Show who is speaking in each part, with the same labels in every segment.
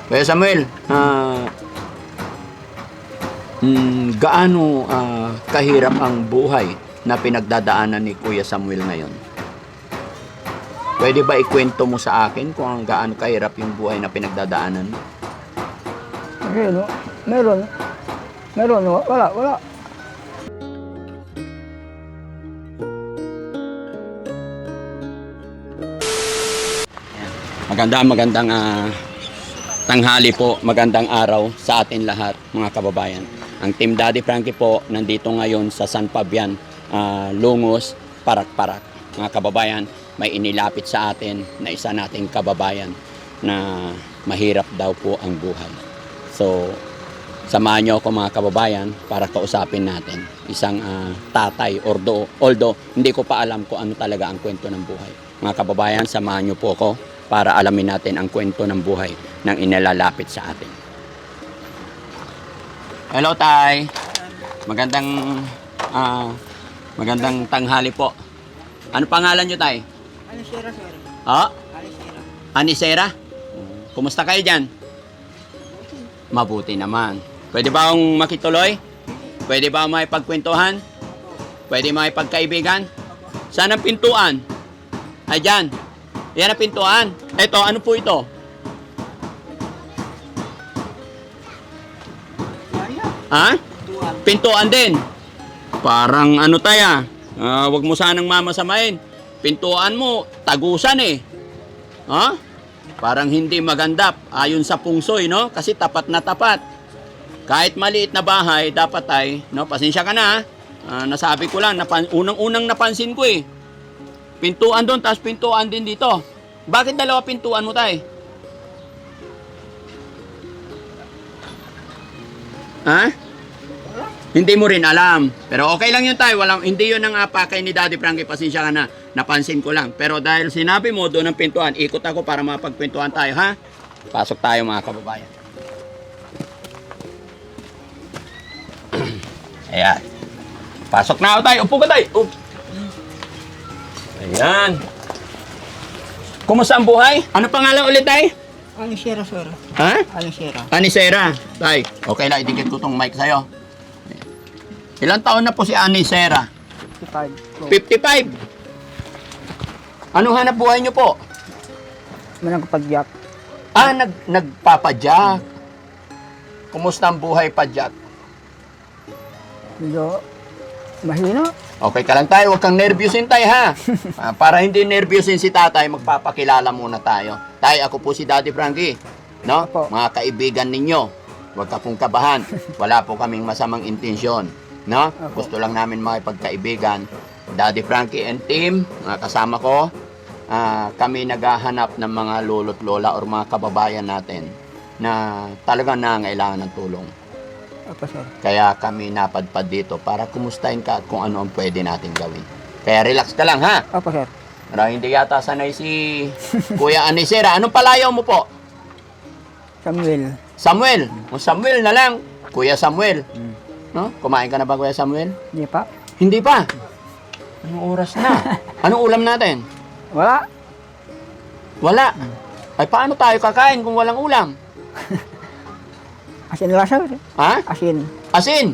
Speaker 1: Kuya Samuel, gaano kahirap ang buhay na pinagdadaanan ni Kuya Samuel ngayon? Pwede ba ikwento mo sa akin kung gaano kahirap yung buhay na pinagdadaanan mo?
Speaker 2: Meron. Wala.
Speaker 1: Magandang tanghali po, magandang araw sa atin lahat mga kababayan. Ang Team Daddy Frankie po nandito ngayon sa San Fabian, Lungos, Parak-Parak. Mga kababayan, may inilapit sa atin na isa nating kababayan na mahirap daw po ang buhay. So, samahan niyo ako mga kababayan para kausapin natin isang tatay, although hindi ko pa alam kung ano talaga ang kwento ng buhay. Mga kababayan, samahan niyo po ako para alamin natin ang kwento ng buhay ng inilalapit sa atin. Hello, Tay. Magandang tanghali po. Ano pangalan niyo, Tay?
Speaker 2: Anisera, sir.
Speaker 1: Oh?
Speaker 2: Anisera.
Speaker 1: Anisera? Kumusta kayo dyan? Mabuti naman. Pwede ba akong makituloy? Pwede ba makipagkwentuhan? Pwede makipagkaibigan? Saan ang pintuan? Ay, dyan. Yan ang pintuan. Ito, ano po ito? Ha? Pintuan din. Parang ano tayo, wag mo sanang mamasamain. Pintuan mo, tagusan eh. Ha? Parang hindi maganda ayon sa pungsoy, no? Kasi tapat na tapat. Kahit maliit na bahay, dapat ay, no? Pasensya ka na, nasabi ko lang, unang-unang napansin ko eh. Pintuan doon, tapos pintuan din dito. Bakit dalawa pintuan mo, Tay? Ha? Hindi mo rin alam. Pero okay lang yun, Tay. Hindi yun ang pakay ni Daddy Frankie. Pasensya ka na. Napansin ko lang. Pero dahil sinabi mo doon ang pintuan, ikot ako para mapagpintuan tayo, ha? Pasok tayo, mga kababayan. Ayan. Pasok na ako, Tay. Upo ka, Tay. Ayan. Kumusta ang buhay? Ano pangalan ulit, Tay?
Speaker 2: Anisera, sir.
Speaker 1: Ha?
Speaker 2: Anisera.
Speaker 1: Anisera. Tay, okay lang, idikit ko tong mic sa'yo. Ilang taon na po si Anisera?
Speaker 2: 55.
Speaker 1: 55. Anong hanap buhay niyo po?
Speaker 2: Managpadyak.
Speaker 1: Nagpapadyak. Kumusta ang buhay padyak?
Speaker 2: Medyo mahina.
Speaker 1: Okay ka lang, Tay, huwag kang nervyusin, Tay, ha? Para hindi nervyusin si Tatay, magpapakilala muna tayo. Tay, ako po si Daddy Frankie. No?
Speaker 2: Opo.
Speaker 1: Mga kaibigan ninyo, huwag ka pong kabahan. Wala po kaming masamang intensyon. No?
Speaker 2: Opo.
Speaker 1: Gusto lang namin makipagkaibigan. Daddy Frankie and team, mga kasama ko, kami naghahanap ng mga lolo't lola or mga kababayan natin na talagang nangailangan ng tulong.
Speaker 2: Opo, sir.
Speaker 1: Kaya kami napadpad dito para kumustahin ka kung ano ang pwede natin gawin. Kaya relax ka lang, ha?
Speaker 2: Opo, sir.
Speaker 1: Para hindi yata sanay si Kuya Anisera. Anong palayaw mo po?
Speaker 2: Samuel.
Speaker 1: Samuel. O Samuel na lang. Kuya Samuel. No? Kumain ka na ba, Kuya Samuel?
Speaker 2: Hindi pa.
Speaker 1: Hindi pa. Anong oras na? Anong ulam natin?
Speaker 2: Wala.
Speaker 1: Wala. Ay, paano tayo kakain kung walang ulam?
Speaker 2: Asin lang, sir.
Speaker 1: Ha?
Speaker 2: Asin.
Speaker 1: Asin.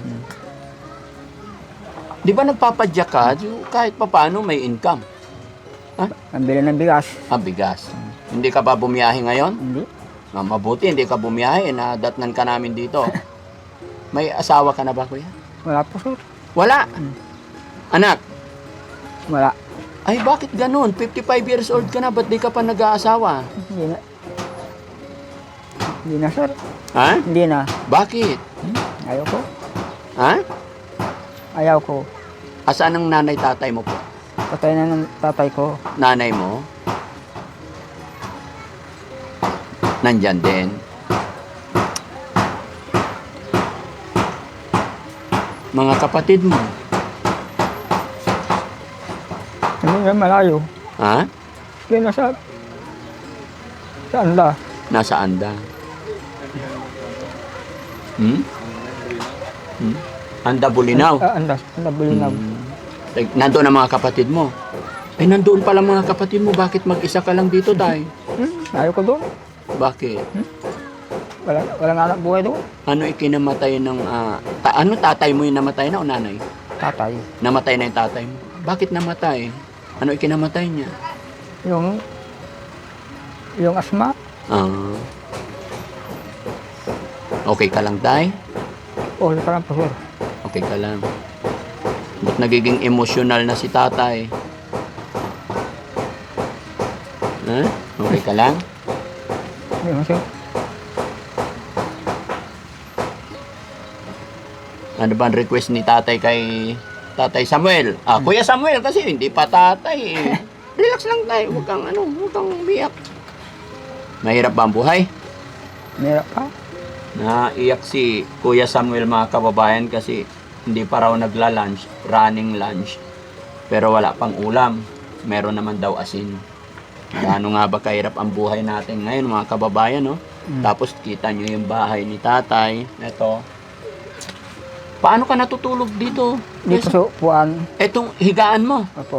Speaker 1: Di ba nagpapadyak ka? Kahit pa paano may income.
Speaker 2: Pambili ng bigas.
Speaker 1: Bigas. Hindi ka ba bumiyahe ngayon?
Speaker 2: Hindi.
Speaker 1: Mabuti, hindi ka bumiyahe. Nadatnan ka namin dito. May asawa ka na ba, Kuya?
Speaker 2: Wala po, sir.
Speaker 1: Wala. Anak?
Speaker 2: Wala.
Speaker 1: Ay, bakit ganun? 55 years old ka na, ba't di ka pa nag-aasawa?
Speaker 2: Hindi na. Hindi na, sir.
Speaker 1: Ha?
Speaker 2: Hindi na.
Speaker 1: Bakit?
Speaker 2: Ayaw ko.
Speaker 1: Ha?
Speaker 2: Ayaw ko.
Speaker 1: Asaan ang nanay tatay mo po?
Speaker 2: Patay na ng tatay ko.
Speaker 1: Nanay mo? Nandyan din. Mga kapatid mo?
Speaker 2: Hindi na malayo.
Speaker 1: Ha?
Speaker 2: Hindi na, sir. Saan ba?
Speaker 1: Nasa anda. Anda Bulinaw.
Speaker 2: Andas. Bulinaw.
Speaker 1: Nandoon ang mga kapatid mo. Ay, nandoon pala mga kapatid mo. Bakit mag-isa ka lang dito, Tay?
Speaker 2: Ayaw ko doon.
Speaker 1: Bakit?
Speaker 2: Walang anak buhay doon.
Speaker 1: Ano ikinamatay ng... ano tatay mo yung namatay na o nanay?
Speaker 2: Tatay.
Speaker 1: Namatay na yung tatay mo. Bakit namatay? Ano ikinamatay niya?
Speaker 2: Yung asma.
Speaker 1: Ah. Okay ka lang, tay?
Speaker 2: Okay pa lang po, sir.
Speaker 1: Okay ka lang. Ba't nagiging emosyonal na si tatay? Ha? Okay ka lang?
Speaker 2: Hindi mo, sir.
Speaker 1: Ano ba ang request ni tatay kay Tatay Samuel? Kuya Samuel kasi hindi pa tatay eh. Relax lang tayo, huwag kang umiyak. Mahirap ba ang buhay?
Speaker 2: Meron pa.
Speaker 1: Naiyak si Kuya Samuel mga kababayan kasi hindi pa raw nagla-lunch, running lunch. Pero wala pang ulam. Meron naman daw asin. Gaano nga ba kahirap ang buhay natin ngayon mga kababayan, no? Tapos kita nyo yung bahay ni tatay. Ito. Paano ka natutulog dito?
Speaker 2: Dito sa upuan.
Speaker 1: Etong higaan mo.
Speaker 2: Opo.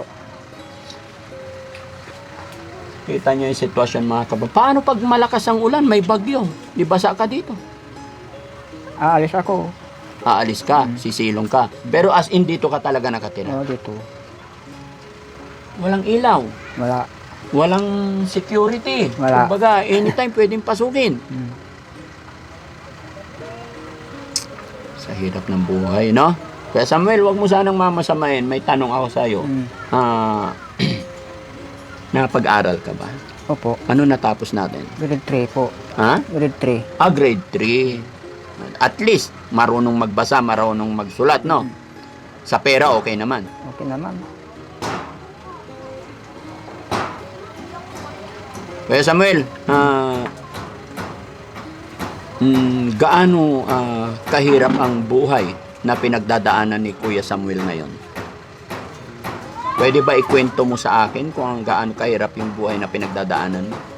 Speaker 1: Kita nyo yung sitwasyon mga kababayan. Paano pag malakas ang ulan, may bagyo? Di basa ka dito?
Speaker 2: Aalis ako.
Speaker 1: Aalis ka, sisilong ka. Pero as in dito ka talaga nakatira.
Speaker 2: Oo, dito.
Speaker 1: Walang ilaw.
Speaker 2: Wala.
Speaker 1: Walang security.
Speaker 2: Wala.
Speaker 1: Kumbaga, anytime pwedeng pasukin. Sa hirap ng buhay, no? Kaya Samuel, wag mo sanang mamasamain. May tanong ako sa'yo. Napag-aral ka ba?
Speaker 2: Opo.
Speaker 1: Ano natapos natin?
Speaker 2: Grade 3 po.
Speaker 1: Ha?
Speaker 2: Grade 3.
Speaker 1: Grade 3. At least, marunong magbasa, marunong magsulat, no? Sa pera, okay naman.
Speaker 2: Okay naman.
Speaker 1: Kaya Samuel, gaano kahirap ang buhay na pinagdadaanan ni Kuya Samuel ngayon? Pwede ba ikwento mo sa akin kung gaano kahirap yung buhay na pinagdadaanan mo?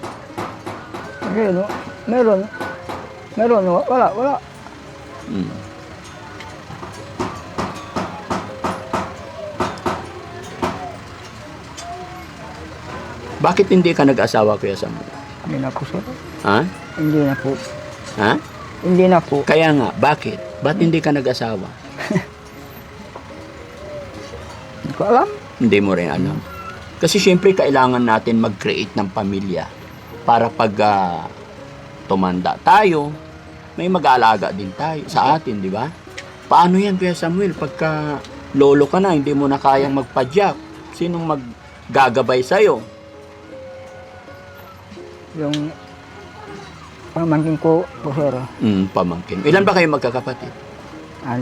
Speaker 2: Meron. Wala.
Speaker 1: Hmm. Bakit hindi ka nag-asawa, Kuya Samuel?
Speaker 2: Hindi na po, sir.
Speaker 1: Ha?
Speaker 2: Hindi na po.
Speaker 1: Ha?
Speaker 2: Hindi na po.
Speaker 1: Kaya nga, bakit? Ba't hindi ka nag-asawa?
Speaker 2: Hindi ko alam.
Speaker 1: Hindi mo rin alam. Kasi syempre kailangan natin mag-create ng pamilya para pag tumanda tayo, may mag-aalaga din tayo sa atin, di ba? Paano yan, Kuya Samuel? Pagka lolo ka na, hindi mo na kayang magpadyak. Sinong maggagabay sa'yo?
Speaker 2: Yung pamangkin ko po, sir.
Speaker 1: Pamangkin. Ilan ba kayo magkakapatid?
Speaker 2: 6.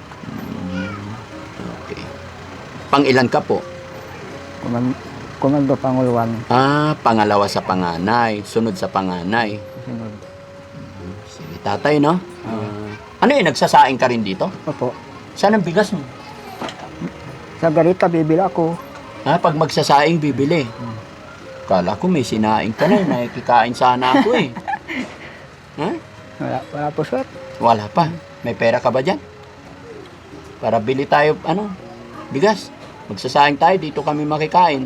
Speaker 1: Okay. Pang-ilan ka po?
Speaker 2: Komando Panguluan.
Speaker 1: Pangalawa sa panganay. Sunod sa panganay.
Speaker 2: Sunod.
Speaker 1: Sige, tatay, no? Ano yun, nagsasaing ka rin dito?
Speaker 2: Opo.
Speaker 1: Saan ang bigas mo?
Speaker 2: Sa garita, bibili ako.
Speaker 1: Pag magsasaing, bibili. Kala ko may sinaing ka na, may kikain sana ako eh. Ha?
Speaker 2: Wala po, sir.
Speaker 1: Wala pa. May pera ka ba dyan? Para bili tayo, bigas. Magsasaing tayo, dito kami makikain.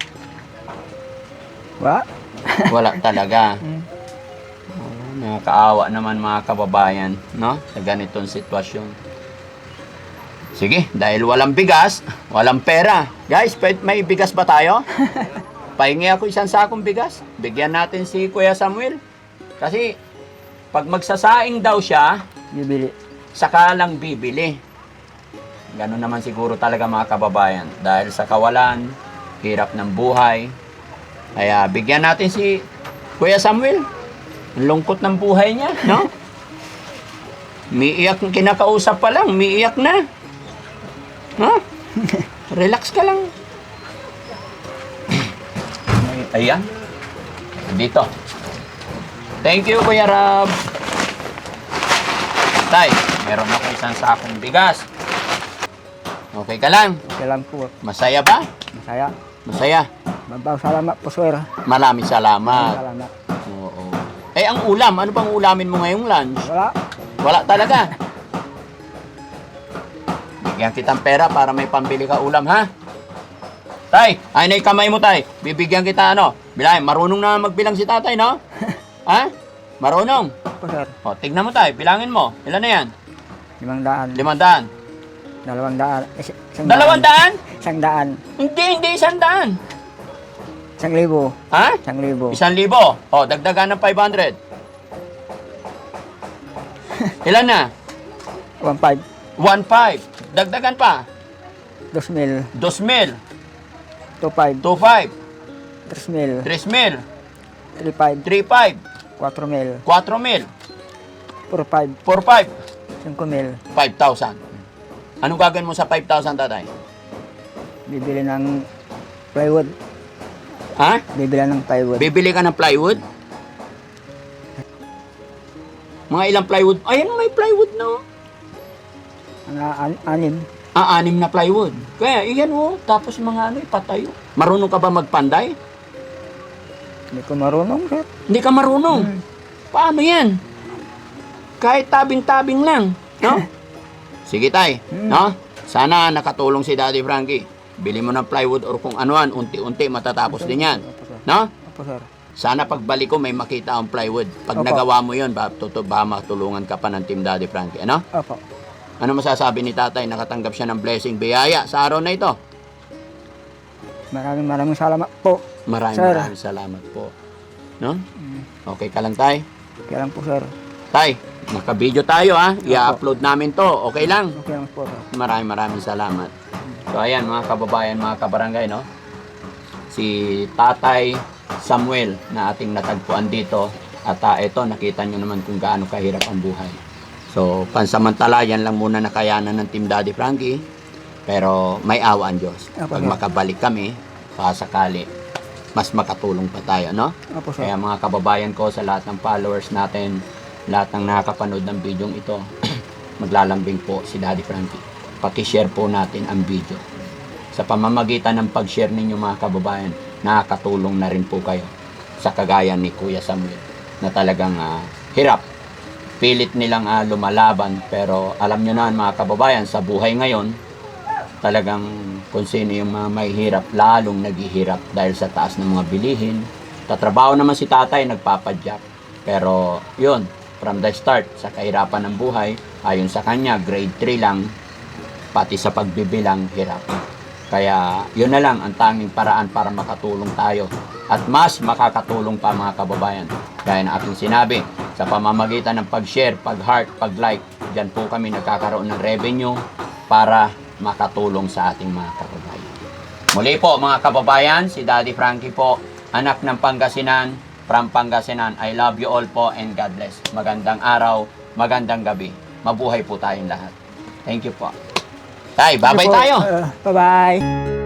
Speaker 2: Wala.
Speaker 1: Wala talaga. Nakakaawa naman mga kababayan, no? Sa ganitong sitwasyon. Sige, dahil walang bigas, walang pera. Guys, may bigas ba tayo? Pahingi ako isang sakong bigas. Bigyan natin si Kuya Samuel. Kasi, pag magsasaing daw siya,
Speaker 2: Bibili.
Speaker 1: saka lang bibili. Ganun naman siguro talaga mga kababayan. Dahil sa kawalan, hirap ng buhay. Kaya bigyan natin si Kuya Samuel. Ang lungkot ng buhay niya, no? Miiyak, kinakausap pa lang, miiyak na. Ha? Relax ka lang. Ayan. Dito. Thank you, Kuya Rab. Tay, meron ako isang sakong bigas. Okay ka lang?
Speaker 2: Okay lang po.
Speaker 1: Masaya ba?
Speaker 2: Masaya.
Speaker 1: Masaya.
Speaker 2: Mabaw salamat po, sir.
Speaker 1: Maraming salamat.
Speaker 2: Salamat.
Speaker 1: Oo. Ang ulam, ano pang ulamin mo ngayong lunch?
Speaker 2: Wala.
Speaker 1: Wala talaga. Bigyan kitang pera para may pambili ka ulam, ha? Tay, ay na yung kamay mo, tay. Bibigyan kita, Bilahin, marunong na magbilang si tatay, no? Ha? Marunong?
Speaker 2: Opo, sir.
Speaker 1: O, tignan mo tayo. Bilangin mo. Ilan na yan?
Speaker 2: 500.
Speaker 1: 500.
Speaker 2: 200.
Speaker 1: 200?
Speaker 2: 100.
Speaker 1: Hindi 100.
Speaker 2: 1,000.
Speaker 1: Ha?
Speaker 2: 1,000.
Speaker 1: 1,000. O, dagdagan ng 500. Ilan na?
Speaker 2: 1,500.
Speaker 1: 1,500. Dagdagan pa.
Speaker 2: 2,000.
Speaker 1: 2,000.
Speaker 2: 2,500.
Speaker 1: 2,500.
Speaker 2: 3,000.
Speaker 1: 3,000.
Speaker 2: 3,500.
Speaker 1: 3,500.
Speaker 2: 4,000.
Speaker 1: 4,000.
Speaker 2: 4,500.
Speaker 1: 4,500.
Speaker 2: 5,000.
Speaker 1: 5,000. Anong gagawin mo sa 5,000, tatay?
Speaker 2: Bibili ng plywood.
Speaker 1: Ha?
Speaker 2: Bibili ng plywood.
Speaker 1: Bibili ka ng plywood? Mga ilang plywood? Ayan, may plywood na.
Speaker 2: Anim.
Speaker 1: 6 na plywood. Kaya, iyan tapos mga patayo. Marunong ka ba magpanday?
Speaker 2: Hindi ko marunong, sir.
Speaker 1: Hindi ka marunong. Paano yan? Kahit tabing-tabing lang, no? Sige tay, no? Sana nakatulong si Daddy Frankie. Bili mo ng plywood or kung anuan, unti-unti matatapos din yan.
Speaker 2: Opo, sir.
Speaker 1: No?
Speaker 2: Opo, sir.
Speaker 1: Sana pagbalik ko may makita ang plywood. Pag
Speaker 2: Opo.
Speaker 1: nagawa mo yun, ba matulungan ka pa ng Team Daddy Frankie, ano?
Speaker 2: Opo.
Speaker 1: Ano masasabi ni tatay? Nakatanggap siya ng blessing, biyaya sa araw na ito.
Speaker 2: Maraming salamat po.
Speaker 1: Maraming salamat po. No? Okay ka lang tay?
Speaker 2: Kaya lang po, sir.
Speaker 1: Tay, naka-video tayo ha. I-upload namin to. Okay lang?
Speaker 2: Okay lang po, sir.
Speaker 1: Maraming salamat. So ayan mga kababayan, mga kabarangay, no? Si Tatay Samuel na ating natagpuan dito. At ito, nakita nyo naman kung gaano kahirap ang buhay. So, pansamantala, yan lang muna nakayanan ng Team Daddy Frankie. Pero may awa ang Diyos.
Speaker 2: Opo,
Speaker 1: Pag
Speaker 2: sir.
Speaker 1: makabalik kami, sakali, mas makatulong pa tayo, no?
Speaker 2: Opo, sir.
Speaker 1: Kaya mga kababayan ko, sa lahat ng followers natin, lahat ng nakakapanood ng video ito, maglalambing po si Daddy Frankie. Paki-share po natin ang video. Sa pamamagitan ng pag-share ninyo mga kababayan, nakakatulong na rin po kayo sa kagaya ni Kuya Samuel na talagang hirap. Pilit nilang lumalaban, pero alam nyo na mga kababayan, sa buhay ngayon, talagang kung sino yung mga may hirap, lalong naghihirap dahil sa taas ng mga bilihin. Tatrabaho naman si tatay, nagpapadyak. Pero yun, from the start, sa kahirapan ng buhay, ayon sa kanya, grade 3 lang, pati sa pagbibilang, hirap. Kaya yun na lang ang tanging paraan para makatulong tayo. At mas makakatulong pa mga kababayan. Gaya na aking sinabi, sa pamamagitan ng pag-share, pag-heart, pag-like, dyan po kami nagkakaroon ng revenue para makatulong sa ating mga kababayan. Muli po mga kababayan, si Daddy Frankie po, anak ng Pangasinan, from Pangasinan. I love you all po and God bless. Magandang araw, magandang gabi. Mabuhay po tayong lahat. Thank you po. Tay, bye-bye tayo.
Speaker 2: Bye-bye.